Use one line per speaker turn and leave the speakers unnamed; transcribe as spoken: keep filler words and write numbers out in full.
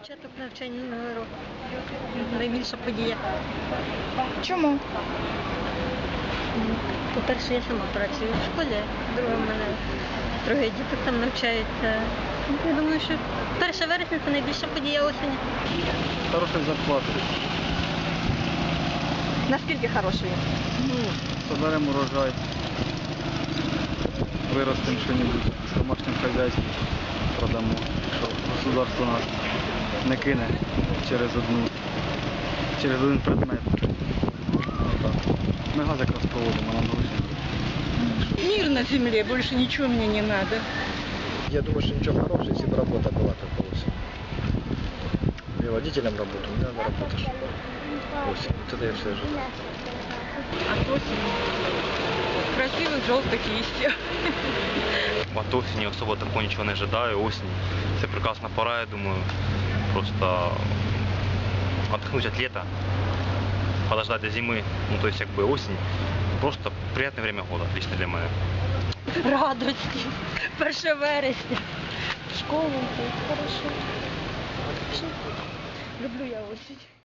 Початок навчання нового року. Найбільша подія.
Чому?
По-перше, я сама працюю в школі, друге, в мене троє діток там навчаються. Я думаю, що перше вересня це найбільша подія осені.
Хорошая зарплата.
Наскільки хорошою?
Ну, соберемо урожай, виростемо що-небудь в домашньому хазяйстві, продамо, що государство нас не кине через одну, через один предмет. Отак. Ми газ якраз проводимо, нам гроші.
Мир на земле, больше ничего мне не надо.
Я думаю, что ничего хорошего, если бы работа была как осень. Я водителем работаю, мне надо работать. Осень. Вот это я все ожидаю.
От осени красивых желтых листьев.
От осені особо такого нічого не ожидаю. Осінь – це прекрасна пора, я думаю. Просто отдохнуть от лета, подождать до зимы, ну то есть как бы осень. Просто приятное время года, лично для меня.
Радості. перше вересня. Школу, хорошо. Люблю я осінь.